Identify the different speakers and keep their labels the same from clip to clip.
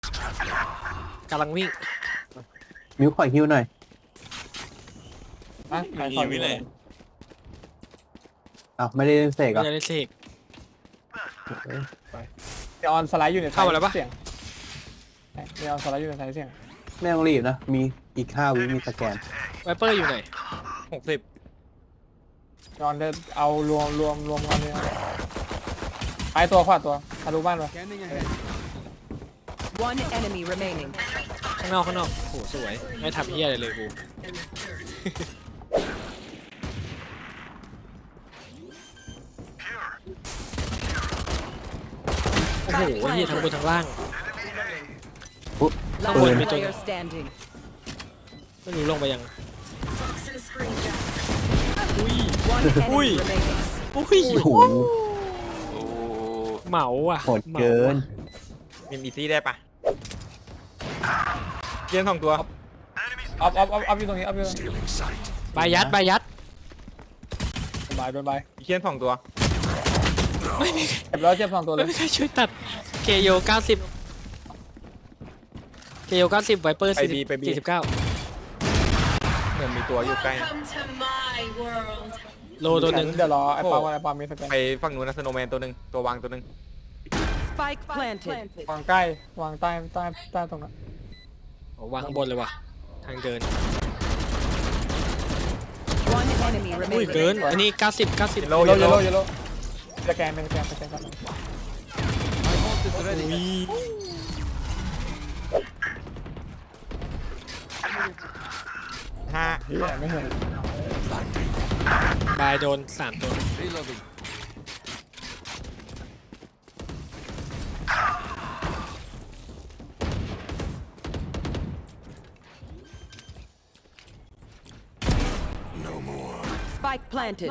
Speaker 1: กำลังวิ่ง
Speaker 2: มิวคอยฮิวหน่อย
Speaker 3: อ่ะขายของอยู่เลย
Speaker 2: อ้าวไม่ได้เล่นเสกเหร
Speaker 1: ไม่
Speaker 2: อ่ะ
Speaker 1: ได้เสก
Speaker 3: เดี๋ยวออนสไลด์อยู่ใน
Speaker 1: เข้ามาแล้วปะ
Speaker 3: เสียงเดี๋ยวออนสไลด์อยู่ในสายเสียง
Speaker 2: ไม่ต้องรีบนะ มีอีก5 วิมีสแกน
Speaker 1: ไวเปอร์อยู่ไหน
Speaker 4: 60
Speaker 3: เดี๋ยวออนจะเอารวมกันเลยไปตัวขวาตัวทะลุบ้านไป
Speaker 5: One enemy remaining.
Speaker 1: ข้างนอกโหสวยไม่ทำเหี้ยอะไรเลยกูโอ้โหเหี้ยทั้งบนทั้งล่าง
Speaker 2: ปุ๊บ
Speaker 1: ข้างบ
Speaker 2: ปื
Speaker 1: น
Speaker 2: น
Speaker 1: มีตัว
Speaker 5: Player standing.
Speaker 1: ไม่รู้ลงไปยัง
Speaker 5: One
Speaker 1: Ui.
Speaker 5: enemy remaining.
Speaker 1: อุ้ย
Speaker 2: โอ้โห
Speaker 4: โอ้
Speaker 1: เหมาอ่ะ
Speaker 2: โหดเกิน
Speaker 4: มีอีซี่ได้ปะเกียน2 ตัว
Speaker 3: อัพอยู่ตรงนี้อัพอยู่ตรงนี้
Speaker 1: บายัด
Speaker 3: สบายโดนไป
Speaker 4: เกียน2 ตัว
Speaker 1: ไม่มี
Speaker 3: เจ็บแล้วเจ็บสองตัวเลย
Speaker 1: ไม่เคยช่วยตัดเคโย90เคโย90ไวเปอร์49
Speaker 4: เหมือนมีตัวอยู่ใกล้
Speaker 6: Welcome to my world.
Speaker 1: โลตัวหนึ่ง
Speaker 3: เดี๋ยวรอไอ้ปาล์มก่อนไอ้ปาล์มมีสแกน
Speaker 4: ไปฝั่งนู้นนะสโนว์แมนตัวหนึ่งตัววางตัวหนึ่ง
Speaker 5: Spike planted.
Speaker 3: วางใกล้วางใต้ตรงนั้น
Speaker 1: วางข้างบนเลยว่ะทางเดิน
Speaker 5: One enemy
Speaker 1: อุ้ย
Speaker 5: remaining.
Speaker 1: เกินอันนี้90
Speaker 4: โล
Speaker 3: เย
Speaker 4: โย
Speaker 3: โล
Speaker 4: โล
Speaker 3: เยโลสแกนเป็นสแกนก่อน
Speaker 4: ห้า
Speaker 3: เฮียไม่เห็น
Speaker 1: บายโดน3ตัว
Speaker 5: Spike planted.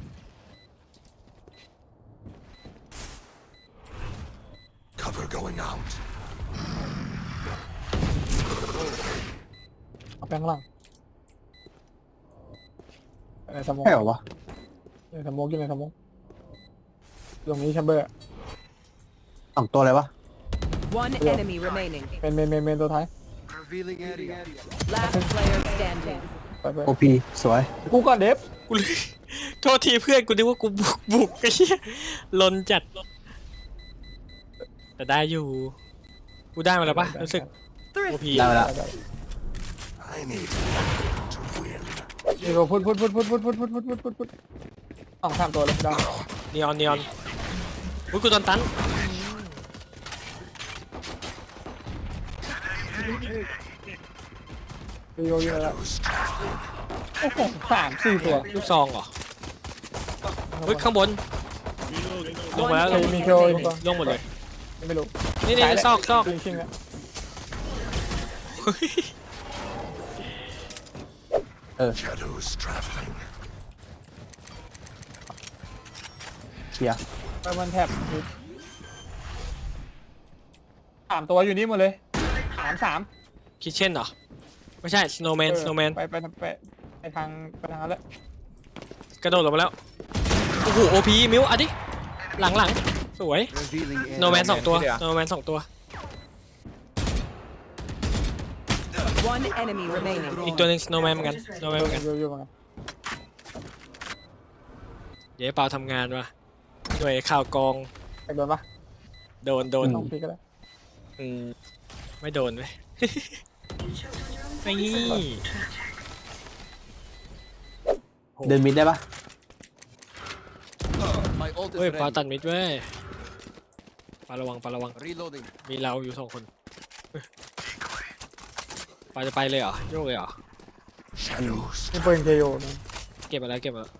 Speaker 3: เอาแป้งล่างในสมอง
Speaker 2: ใช่เหรอวะ
Speaker 3: ในสมองอยู่ในสมองตรงนี้แชมเบอร์
Speaker 2: 2 ตัวเลยวะ
Speaker 5: One enemy remaining.
Speaker 3: เป็นตัวท้าย
Speaker 5: Last player standing.
Speaker 3: ไป
Speaker 2: โอพีสวย
Speaker 3: กูก่อนเดฟ
Speaker 1: กูเลยโทษทีเพื่อนกูนึกว่ากูบุกไอ้เหี้ยลนจัดแต่ได้อยู่กูได้มาแล้วปะรู้สึกโอพี
Speaker 2: ได้มาแล้ว
Speaker 3: นี่ก็พุดสองสามตัวเลยได้
Speaker 1: นีออนอุ้ยกูโดนตัน
Speaker 3: โยแล้วโอ้โห3-4 ตัว
Speaker 1: ลูกซองเหรอเฮ้ยข้างบนลงมาแล้ว
Speaker 3: มีโคอีกตัว
Speaker 1: ลงหมดเลย
Speaker 3: ไม่รู้
Speaker 1: นี่ซอก
Speaker 3: ชิงอะ
Speaker 1: เฮ้ย
Speaker 2: เคลียร์
Speaker 3: ไปมันแท็บ3 ตัวอยู่นี่หมดเลย3
Speaker 1: คิทเช่นเหรอไม่ใช่สโนว์แมน
Speaker 3: ไปทางนั้นแล้ว
Speaker 1: กระโดดลงมาแล้วโอ้โหโอพีมิวอ่ะดิหลังสวยสโนว์แมน2 ตัวสโนว์แมน2 ตัว
Speaker 5: One enemy remaining.
Speaker 1: อีกตัวหนึงสโนว์แมนเหมือนกันสโนว์แมนเหมือนกัน
Speaker 3: อยู่มา
Speaker 1: เดี๋ยวเปาทำงานว่ะหน่วยข่าวกอง
Speaker 3: โดนปะ
Speaker 1: โดน
Speaker 3: ต้องพีก็ได้
Speaker 4: อืม
Speaker 1: ไม่โดนเว้ย นี่
Speaker 2: เดินมิดได้ปะ
Speaker 1: เฮ้ยปาตัดมิดเว้ยปาระวังมีเราอยู่2 คนเฮ้ยปาจะไปเลยเหรอโยกเลยเหรอ
Speaker 3: นี่ปืนเคโยนะ
Speaker 1: เก็บมาแล้ว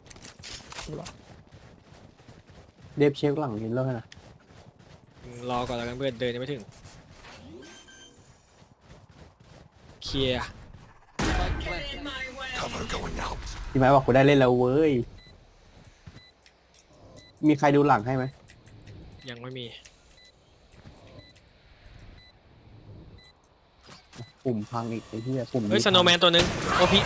Speaker 2: เดฟเช็คหลังหินแล้วนะ
Speaker 1: รอก่อนแล้วกันเพื่อนเดินยังไม่ถึงเคลียร์
Speaker 6: In my way.
Speaker 2: พี่ไม้บอกกูได้เล่นแล้วเว้ย มีใครดูหลังให้ไหม
Speaker 1: ยังไม่มี
Speaker 2: ปุ่มพังอีกไอ้เหี้ยปุ่ม
Speaker 1: เฮ้ยสโนว์แมนตัวหนึงโอพี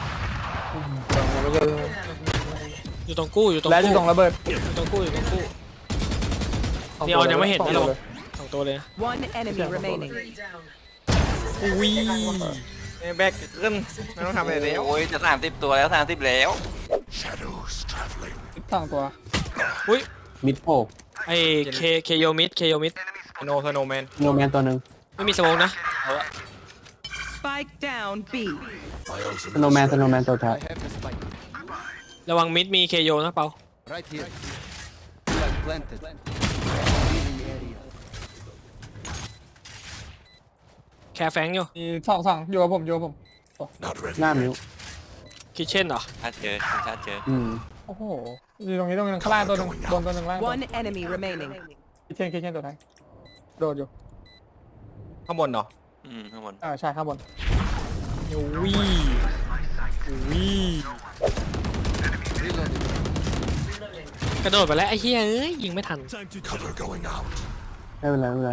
Speaker 1: อยู่ตรงกู้
Speaker 3: แล้วจะส่งระเบิด
Speaker 1: อยู่ตรงกู้นีออนยังไม่เห็น
Speaker 3: สอง
Speaker 1: นี่
Speaker 3: ตัว
Speaker 1: เรา
Speaker 3: เลย
Speaker 1: สองตัวเลยนะ
Speaker 5: One enemy remaining.
Speaker 6: Three down.
Speaker 1: อุ้ย
Speaker 4: แบกขึ้นไม่ต้องทำอะไรแล้ว
Speaker 7: โอ้ยจะ30 ตัวแล้ว30แล้ว
Speaker 3: สองตัว
Speaker 1: อุ้ย
Speaker 2: มิดโผล่
Speaker 1: ไอเคโยมิด
Speaker 4: โนสโนแมน
Speaker 2: โนแมนตัวหนึ่ง
Speaker 1: ไม่มีสโมองนะ
Speaker 5: Spike down B.
Speaker 2: สโนแมนตัวท้าย
Speaker 1: ระวังมิดมีเคโยนะเปา
Speaker 8: Right here. Spike planted. Healing area.
Speaker 1: แคร์แฟงอยู่
Speaker 3: มีสองอยู่กับผมอยู่กับผม
Speaker 2: หน้ามิว
Speaker 1: คิทเช่นเหรอ
Speaker 7: ถ้าเจอถ้าเจอ
Speaker 3: โอ้โหอยู่ตรงนี้ข้างล่างตัวหนึ่งบนตัวหนึ่งล่าง
Speaker 5: One enemy remaining.
Speaker 3: คิดเช่นตัวท้ายโดดอยู่
Speaker 4: ข้างบนเนาะ
Speaker 7: ข้างบน
Speaker 3: ใช่ข้างบน
Speaker 1: อุ้ยอุ้ย
Speaker 8: Reloading.
Speaker 1: กระโดดไปแล้วไอ้เหี้ยเอ้ยยิงไม่ทัน
Speaker 2: ไม่เป็นไรไม่เป็นไร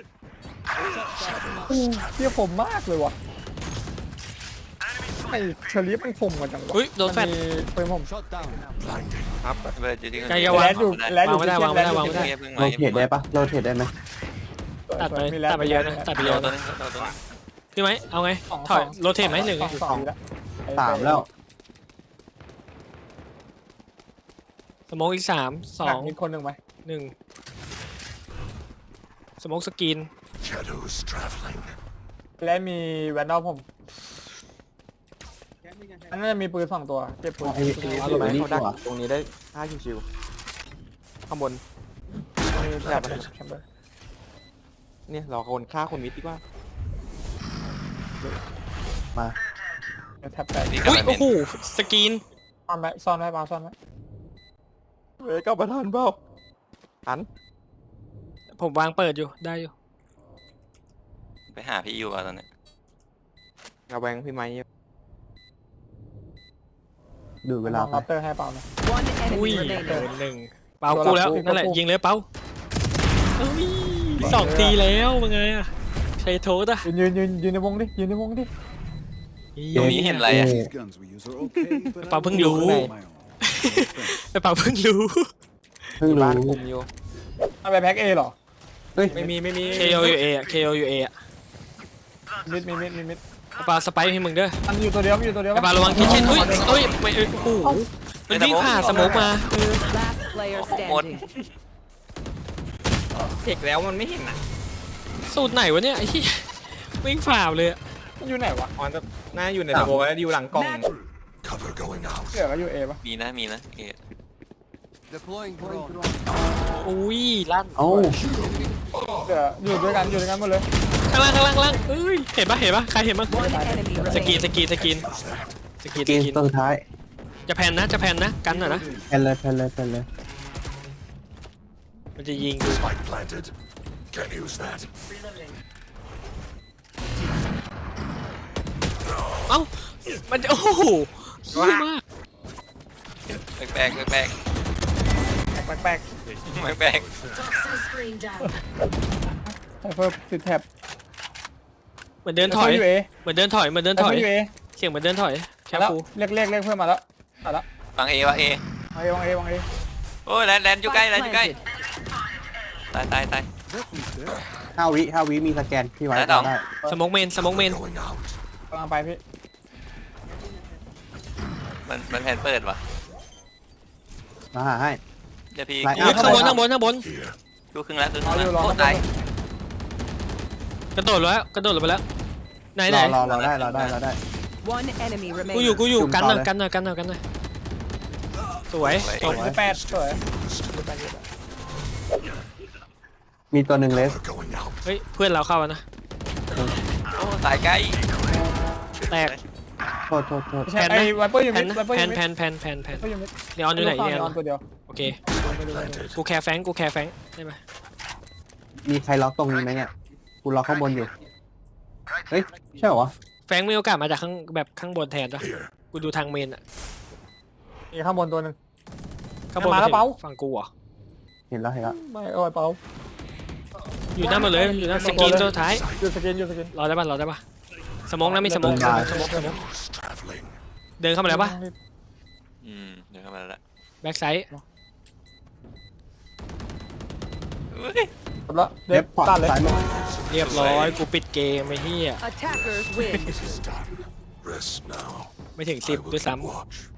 Speaker 3: เทียบผมมากเลยว่ะไอ้เชอรี่มันคมกว่าจังวะ
Speaker 1: อุ้ยโดนแฟน
Speaker 3: มัมีเป็นผม
Speaker 8: Shot down.
Speaker 4: ครับ
Speaker 7: เลยจริงๆ
Speaker 1: ไกลอย่าวาง
Speaker 3: แลดอยู่
Speaker 1: วางไม่ได้วางไม่ได้
Speaker 3: แลดอยู่
Speaker 7: เงียบเพิ่ง
Speaker 2: โร
Speaker 7: มา
Speaker 2: เทตได้ปะโรเทตได้ไหม
Speaker 1: ตัดไป
Speaker 3: มีแลด
Speaker 1: ตัดไปเยอะนะตัดไป
Speaker 7: โด
Speaker 1: เยอะ
Speaker 7: นตัว
Speaker 1: นะ
Speaker 7: นึงโดนตัวนึง
Speaker 1: พี่ไหมเอาไงถอยโรเทตไหมหนึ่ง
Speaker 3: สองแล้ว
Speaker 2: 3แล้ว
Speaker 1: สโมองอีก3 2
Speaker 3: มีคนหนึ่งไหม
Speaker 1: 1สโมองสกิน
Speaker 3: และมีแวนดอลผมอันนั้นจะมีปืน2 ตัวเก็บปืน
Speaker 2: ไอ้
Speaker 4: เอา
Speaker 2: ตัว
Speaker 4: ลงไป
Speaker 2: นี้
Speaker 4: เขา
Speaker 2: ตั
Speaker 4: ดัก
Speaker 2: ว
Speaker 4: ตรงนี้ได้5ชิวๆข้างบน
Speaker 3: มีแถบอะไรแชมเบอร์
Speaker 4: เนี่ยรอคนฆ่าคนมิดดีกว่า
Speaker 2: มา
Speaker 3: แถบแตก
Speaker 7: นี่ก็
Speaker 1: อุ้ย
Speaker 7: ไม่
Speaker 1: โอ้
Speaker 7: เป็น
Speaker 1: โหสกิน
Speaker 3: ซ่อนไว้ปาซ่อนไว้
Speaker 4: เว้ยก็ประทานเปล่าหัน
Speaker 1: ผมวางเปิดอยู่ได้อยู่
Speaker 7: ไปหาพี่อยู่อ่ะตอนนี้
Speaker 4: กระแวงพี่ไม้
Speaker 2: ดูเวลาไป
Speaker 3: ลับเตอร์ให้เปล่านะ
Speaker 5: One
Speaker 1: อุ้ย
Speaker 5: enemy
Speaker 1: โด
Speaker 5: remaining.
Speaker 1: นหนึ่งเปากูแล้วนั่นแหละยิงเลยเปาเอ้ย2 ทีแล้วมึงไงอะใช้โทษอะ
Speaker 3: ยืนในวงดิยืนในวงดิ
Speaker 7: ตรงนี้เห็นอะไรอ่ะ
Speaker 8: These guns we use are okay, but I
Speaker 1: เปาเพิ่ง
Speaker 8: will
Speaker 1: รู้
Speaker 8: hold my own.
Speaker 1: แต่เปาเพิ่งรู้
Speaker 2: เพิ่ง
Speaker 4: บ้าน
Speaker 2: รู้
Speaker 4: คุมอยู่
Speaker 3: เอาไปแพ็กเอหรอ
Speaker 2: เฮ้ย
Speaker 4: ไม่มี
Speaker 1: KO อยู่ A อะ KO อยู่ A อะ
Speaker 3: มิด
Speaker 1: เปาสไปร์ให้มึงเด้อ
Speaker 3: มันอยู่ตัวเดียว
Speaker 1: เปาระวังคิทเช่นอุ้ยเอ้ยไม่โอ้โหมันวิ่งผ่าสโมกมา
Speaker 5: Last player standing.
Speaker 4: เด็กแล้วมันไม่เห็นอ่ะ
Speaker 1: สูตรไหนวะเนี่ยไอ้ที่วิ่งฝ่าเลยอะ
Speaker 3: มันอยู่ไหนวะ
Speaker 4: ออนจะน่าอยู่ในสโมแล้วอยู่หลังกล่อง
Speaker 3: เหลือก็อยู่เอปะ
Speaker 7: มีนะเอ
Speaker 8: Deploying drone.
Speaker 1: อุ้ยลั่น
Speaker 2: เอ้า
Speaker 3: เหลืออยู่ด้วยกันหมดเลย
Speaker 1: ข้างล่างเอ้ยเห็นปะใครเห็นบ้าง
Speaker 5: One enemy
Speaker 1: สกี
Speaker 5: remaining.
Speaker 1: น
Speaker 2: กินตัวสุดท้าย
Speaker 1: จะแพนนะกันหน่อยนะ
Speaker 2: แพนเลย
Speaker 1: มันจะยิงกู เอ้ามันจะโอ้โหเหี้ยมาก
Speaker 7: แปลก
Speaker 3: แปลก
Speaker 6: Toxin screen down.
Speaker 3: ไซเฟอร์ติดแท็บ
Speaker 1: เหมือนเดินถอย
Speaker 3: อยู่เอ
Speaker 1: เหมือนเดินถอย
Speaker 3: ไซเฟอร์อยู่เอ
Speaker 1: เสียงเหมือนเดินถอยแค่
Speaker 3: แล้ว
Speaker 1: กู
Speaker 3: เรียกเพื่อนมาแล้วมาแล้ว
Speaker 7: วางเอวางเอ
Speaker 3: วางเอ
Speaker 7: โอ้ยแลนอยู่ใกล้
Speaker 5: Spike planted.
Speaker 7: ตาย
Speaker 2: 5 วิมีสแกนพี่ไว้
Speaker 7: ได้ต่อ
Speaker 2: ได้
Speaker 1: สโมกเมน
Speaker 3: กำลังไปพี่
Speaker 7: มันแผนเปิดว่ะ
Speaker 2: มาหาให้
Speaker 7: เดี๋ยวพี่
Speaker 2: ไล่
Speaker 1: อุ้ยข้างบน
Speaker 7: ดูครึ่งแล้วโคตรตาย
Speaker 1: กระโดดลงไปแล้วไหน
Speaker 2: รอได้
Speaker 5: One enemy
Speaker 1: กูอยู่
Speaker 5: remaining.
Speaker 1: กันหน่อยสวยจบ
Speaker 3: 8สวย
Speaker 2: มีตัวหนึ่งเลส
Speaker 1: เฮ้ยเพื่อนเราเข้าแล้วนะ
Speaker 7: โอ้ตายใกล้
Speaker 1: แตก
Speaker 2: โทษ
Speaker 3: ไม่ใช่ไอ้ไวเปอร์อยู่
Speaker 1: แพ
Speaker 3: มิ
Speaker 1: น
Speaker 3: ด
Speaker 1: นะ
Speaker 3: ไวเปอร์
Speaker 1: แพ
Speaker 3: อน ยู่มิด
Speaker 1: แพน
Speaker 3: ไวเปอร์อยู่มิด
Speaker 1: เนียออนอยู่ไหน
Speaker 3: น
Speaker 1: เนี่ย
Speaker 3: อนตัวเดียว
Speaker 1: โอเคกูแคร์แฟงได้ไหม
Speaker 2: มีใครล็อกตรงนี้ไหมเนี่ยกูล็อกข้างบนอยู่เฮ้ยใช่เหรอ
Speaker 1: แฟงมีโอกาสมาจากข้างบนแทนปะกูดูทางเมนอะ
Speaker 3: มีข้างบนตัวหนึ่ง
Speaker 1: ข้างบน
Speaker 3: มาแล้วเปา
Speaker 1: ฝั่งกูเหรอ
Speaker 2: เห็นแล้ว
Speaker 3: ไม่โอ้ยเปา
Speaker 1: อยู่หน้าหมดเลยอยู่หน้าสกินตัวสุดท้าย
Speaker 3: อยู่สกิน
Speaker 1: รอได้ปะสมองนะมีสมองเดินเข้ามาแล้วปะ
Speaker 7: เดี๋ยวเข้ามาแล้ว
Speaker 1: แบ็กไซด์
Speaker 7: โอ้
Speaker 3: จบละเด็
Speaker 2: เล็
Speaker 3: บบ
Speaker 2: ขวา
Speaker 3: ตัดเลย
Speaker 2: ซ้ายมือ
Speaker 1: เรียบร้อยกูปิดเกมไอ้เหี้ย
Speaker 5: Attackers win.
Speaker 9: Rest now.
Speaker 1: ไม่ถึง
Speaker 9: I
Speaker 1: 10
Speaker 9: will
Speaker 1: ด้วยซ้
Speaker 9: keep watch.